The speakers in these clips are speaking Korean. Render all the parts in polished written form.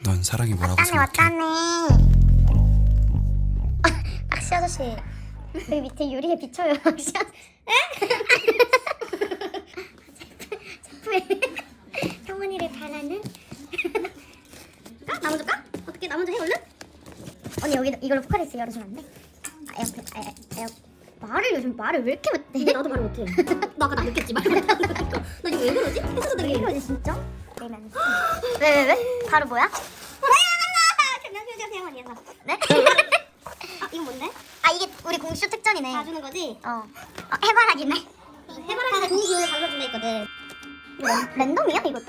넌 사랑이 뭐라고 왔다네 생각해? 왔다네. 악시 아저씨 여기 밑에 유리에 비쳐요. 악시 아저씨. 제프의 성원이를 바라는. 나 먼저 까? 어떻게 나 먼저 해 얼른? 언니 여기 이걸로 포카리스 열어주면 안 돼? 말을 왜 이렇게 못해? 나도 말을 못해. 너 아까 나 느꼈지? 말 못한다니까. 나 이거 왜 그러지? 해서도 왜 되게 이러지 진짜? 내면 왜? 바로 뭐야? 변명표정 세영언니에서. 네? 이거 뭔데? 아 이게 우리 공슈 특전이네. 봐주는 거지? 해바라기네. 해바라기가 좋은 기운을 가져준다 했거든. 이거 랜덤이야 이것도?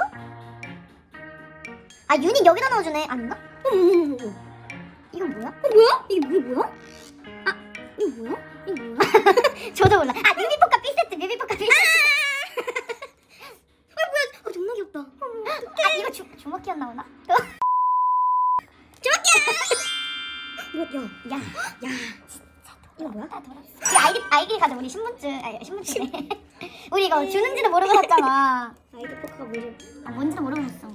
아 유닛 여기다 넣어주네. 아닌가? 이건 뭐야? 뭐야? 이게 뭐야? 아 이거 뭐야? 이거 뭐야? 저도 몰라. 아 뮤비포카 B세트 뮤비포카 B세트. 뭐야? 존나 귀엽다. 아 이거 주먹기였 나오나? 이거 야. 이거 뭐야? 이 아이디 가져. 우리 신분증이네. 우리 이거 주는지도 모르고 샀잖아. 아이디 포카가 뭐지? 아 뭔지도 모르고 샀어.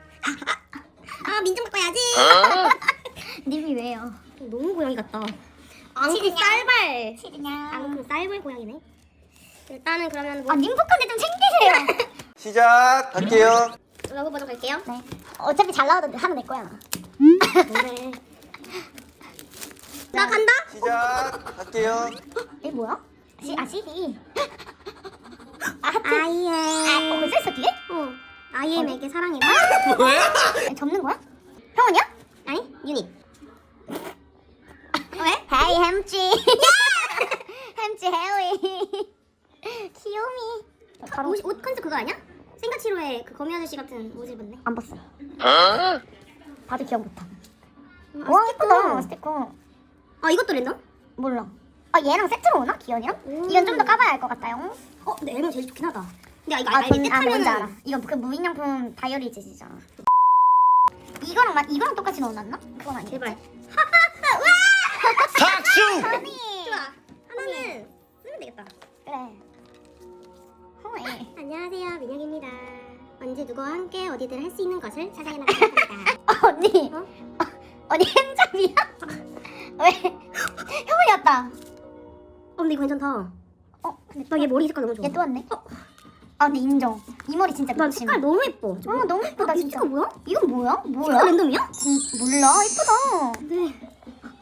아 민증 바꿔야지. 님이 왜요? 너무 고양이 같다. 앙크 치즈냐? 쌀발. 치즈냐? 앙크 쌀발 고양이네. 일단은 그러면 뭐 아 님포카인데 좀 챙기세요. 시작할게요. 러브 버전 갈게요. 네. 어차피 잘 나오던데 하면 내 거야. 뭐래? 나 간다. 시작할게요. 이게 뭐야? CD. 아 하트. 아이엠. 벌써 있어 뒤에? 아이엠에게 사랑해. 접는 거야? 형원이야? 아니 유닛. 왜? 헤이 햄찌. 햄찌 헤이. 귀요미. 바로 옷 컨셉 그거 아니야? 생가치로의 그 거미 아저씨 같은 옷 입었네. 안 봤어. 봐도 기억 못하. 와 예쁘다 스티커. 아 이것도 랜덤? 몰라. 아 얘랑 세트로 오나? 기현이랑? 이건 좀 더 까봐야 알 것 같아요. 근데 앨범 제일 좋긴 하다. 근데 이거 아, 알지? 아 뭔지 알아. 뜻하면은 이건 그 무인양품 다이어리즈잖아. 이거랑 똑같이 넣어놨나? 그건 아니야. 제발. 박수! 아니. 좋아. 하나는 쓰면 되겠다. 그래. 허에. 안녕하세요, 민혁입니다. 언제 누구와 함께 어디든 할 수 있는 것을 찾아내 나갑니다. 언니. 어? 언니 햄잡이야? 왜? 형원이 왔다. 근데 이거 괜찮다. 근데 나 얘 머리 색깔 너무 좋아. 얘 또 왔네. 아 근데 인정. 이 머리 진짜 나 미친. 색깔 너무 예뻐. 너무 예쁘다 이 진짜. 스티커 뭐야? 이건 뭐야? 이거 랜덤이야? 몰라. 예쁘다. 네.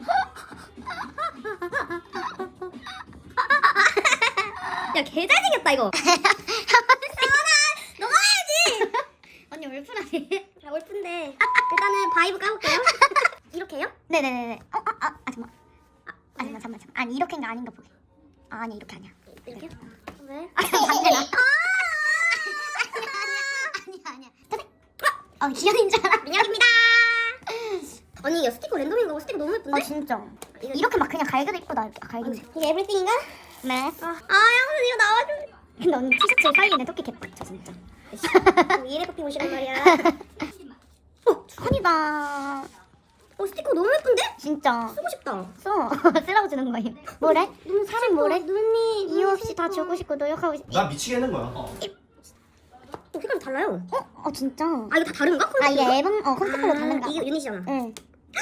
야, 개 잘생겼다 이거. 언니 울프라네. 야, 올픈데 일단은 바이브 까볼게요. 이렇게 해요? 네네네네. 잠깐만. 잠깐만. 아니 이렇게인가 아닌가 보게. 아니 이렇게 아니야. 이렇게요? 왜? 반대나. 아니야. 기현인 줄 알아. 민혁입니다. 언니 이 스티커 랜덤인가 봐. 스티커 너무 예쁜데? 진짜. 이렇게 막 그냥 갈겨도 이쁘다. 갈겨도. 이게 에브리띵인가? 네. 형수 이거 나와줘. 근데 언니 티셔츠 사이에 토끼 개빡쳐 진짜. 이래 커피 오시란 말이야. 손이다. 스티커 너무 예쁜데? 진짜. 쓰고 싶다. 쓰라고 주는 거임. 뭐래? 사람 뭐래? 눈이 이유 없이 다 주고 싶고 노력하고 싶. 나 미치겠는 거야. 색깔이 달라요. 진짜. 이거 다 다른가? 이게 앨범 콘셉트로 다른가? 이게 유닛이잖아. 응.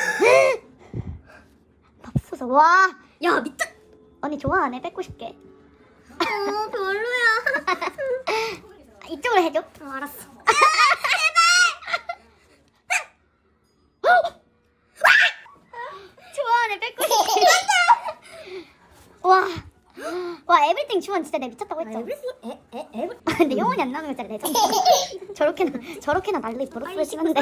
밥솥. 와. 야 미쳤. 언니 좋아하네. 뺏고 싶게. 별로야. 이쪽으로 해줘. 알았어. 좋아하네. 뺏고 싶게. 와 에브리띵 주원 진짜 내 미쳤다고 했죠. 에브리띵? 근데 영원히 안 나오는 거잖아 레전드. 저렇게나 난리 버릇을 심한데.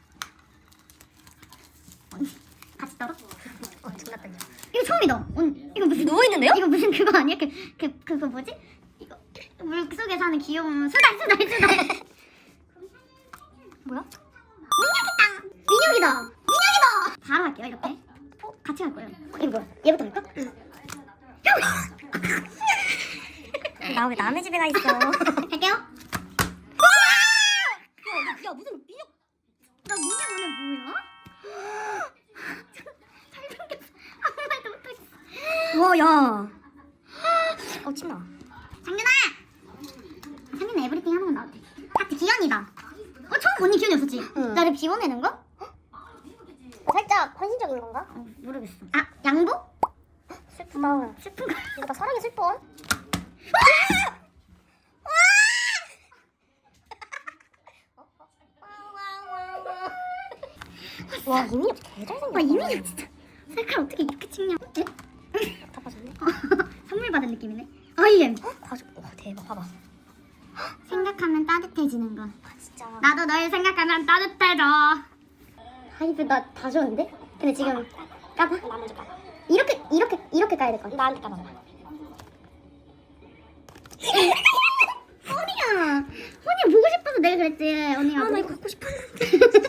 같이 떨어? 존나 떨려. 이거 처음이다. 이거 무슨 누워 있는데요? 이거 무슨 그거 아니야? 그거 뭐지? 이거 물 속에 사는 귀여운 수달. 뭐야? 민혁이다. 바로 할게요 이렇게. 같이 할 거예요. 이거 뭐야? 얘부터 할까? 나 왜 남의 집에 가 있어? 할게요. 야 무슨 민혁? 나 민혁 오늘 뭐야? 잘생겼어. 아무 말도 못하겠어. 와 야. 침나. 장윤아! 장윤아 에브리띵 하는 건 나한테. 하트 기현이다. 처음 언니 기현이었었지? 응. 나를 비워내는 거? 살짝 헌신적인 건가? 모르겠어. 아 양보? 슬프다. 슬픈 거. 이거 다 사랑이 슬퍼. 와 이민혁 개 잘생겼다. 와 이민혁 진짜 셀카 어떻게 이렇게 찍냐? 다 빠졌네. 선물 받은 느낌이네. 아이엠. 봐줘. 와 대박 봐봐. 생각하면 따뜻해지는 거. 진짜. 나도 널 생각하면 따뜻해져. 하이브 나다 좋은데? 근데 지금 까봐? 나 먼저 까봐. 이렇게 까야 될 것 같아. 나한테 까봐. 언니야 보고 싶어서 내가 그랬지. 언니가. 나 이거 갖고 싶었는데.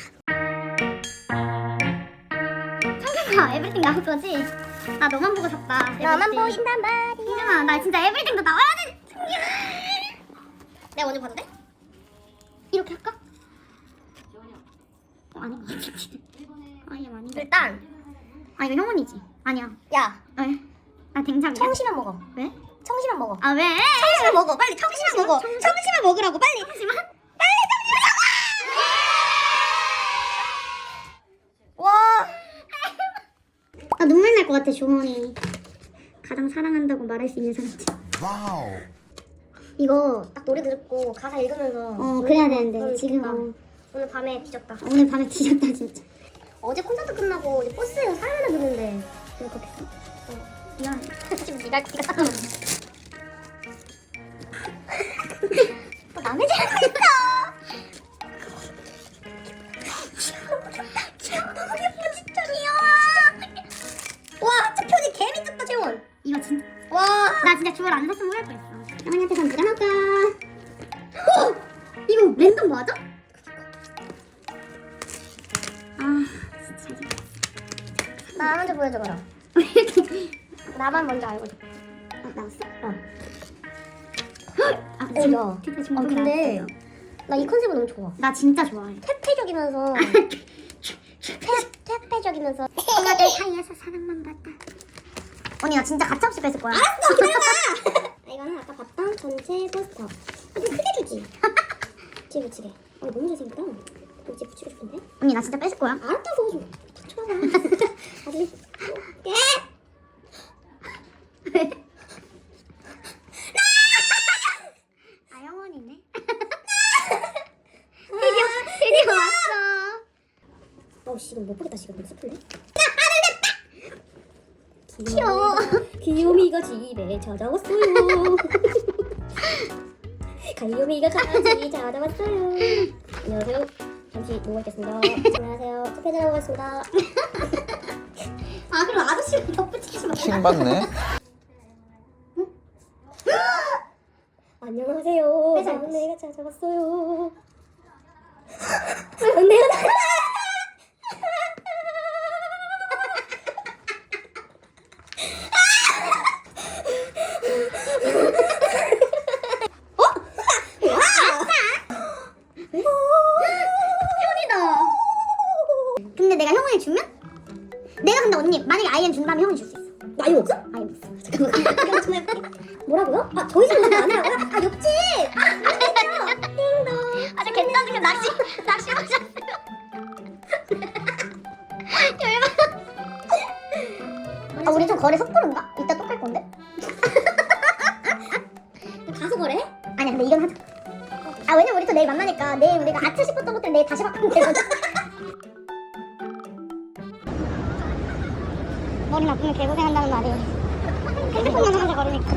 성경아 에브리띵 나올 거지? 나 너만 보고 샀다. 나만 에브리띵. 보인단 말이야. 성경아 나 진짜 에브리띵도 나와야 돼. 내가 먼저 봐도 돼? 이렇게 할까? 아닌 것 같아. 아니야 아닌데. 일단 아 이거 형원이지? 아니야. 야 왜? 나 댕장이야. 청심만 먹어. 왜? 청심만 먹어. 아 왜? 청심만 먹어. 빨리 청심만 먹어. 청심만 먹으라고 빨리. 잠시만. 와. 나 눈물 날 것 같아 조원이. 가장 사랑한다고 말할 수 있는 사람들. 와우. 이거 딱 노래 듣고 가사 읽으면서 그래야 되는데 너무 지금 좋다. 오늘 밤에 뒤졌다. 오늘 밤에 뒤졌다 진짜. 어제 콘서트 끝나고 이제 버스에서 사연 하나 듣는데 울컥했어. 미안. 지금 네가 또 남의 집 하고 있어. 귀여워. 너무 예뻐 진짜. 귀여워. 와 진짜 표지 개 미쳤다 재원. 이거 진짜. 와. 나 진짜 주얼 안 샀으면 후회할 뻔했어. 형원이한테 선 누가 나올까? 이거 랜덤 맞아? 아 진짜. 나 먼저 보여줘봐라. 나만 먼저 알고 싶어. 나왔어? 어. 아 야. 근데 근데 나 이 컨셉은 너무 좋아. 나 진짜 좋아해. 퇴폐적이면서 퇴폐적이면서 친구들 사이에서 사랑만 받다. 언니 나 진짜 가차없이 뺏을 거야. 알았어 기다려봐. 이거는 아까 봤던 전체 포스터. 좀 크게 주지. 뒤에 붙이게. 너무 잘생겼다. 이제 붙이고 싶은데. 언니 나 진짜 뺏을 거야. 알았다고 좀 닥쳐봐. 아주 예. 아 영원이네. 드디어 왔어. 어씨 이거 못 보겠다 지금 너무 슬픈데. 귀여워. 귀요미가 집에 찾아왔어요. 귀요미가 강아지 찾아왔어요. 안녕하세요. 잠시 누워 있겠습니다. 안녕하세요. 투표자라고 왔습니다. 아 그럼 아저씨가 덧붙이지 마. 킹받네. 안녕하세요. 회사 막내가 찾아왔어요. 막내가 나. 근데 내가 형원이 주면? 내가 근데 언니 만약에 아이엠 준다면 형원이 줄 수 있어. 나 이거 없어? 아이엠 있어. 잠깐만. 이거 좀 해볼게. 뭐라고요? 아 저희 집은 많아요. 아 옆집. 띵동. 아저 괜찮으니까 낚시 오셨어요. 아 우리 좀 거래 섣부른가? 이따 또 갈 건데? 가서 거래? 아니야 근데 이건 하자. 아 왜냐면 우리 또 내일 만나니까 내일 우리가 아차 싶었던 것들 내일 다시 바꾸면 되거든. 머리 나쁘면 개고생한다는 말이 핸드폰만 하자 걸으니까.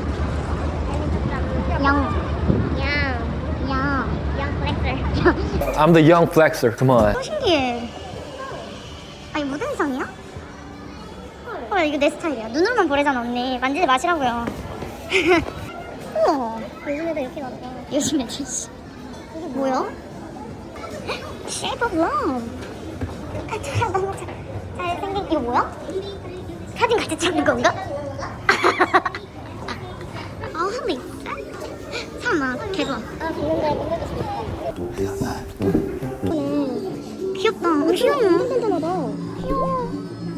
영 플렉스. I'm the young flexer. Come on. 또 신기해. 아니 무슨 성이야? 헐 이거 내 스타일이야. 눈으로만 보래잖아 언니. 만지지 마시라고요. 우와 요즘 애들 이렇게 나더라. 요즘 애들 씨. 이게 뭐야? Shape of Love. 아 너무 잘생긴 이거 뭐야? 사진 같이 찍는 건가? 아 홀리 참아 개 좋아. 아 비는데 못 먹겠어. 귀엽다. 귀여워. 괜찮아 봐. 귀여워.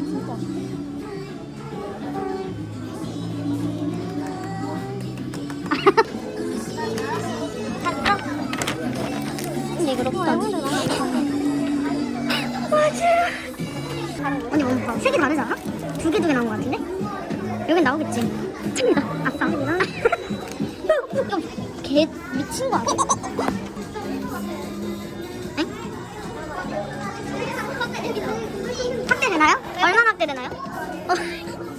샀어? 근데 이거 롭다. 맞아. 봐봐. 색이 다르지 않아? 두 개 나온 것 같은데? 여긴 나오겠지. 칩니다. 아싸. 개 미친 거 아니야? 엥? 확대되나요? 얼마나 확대되나요?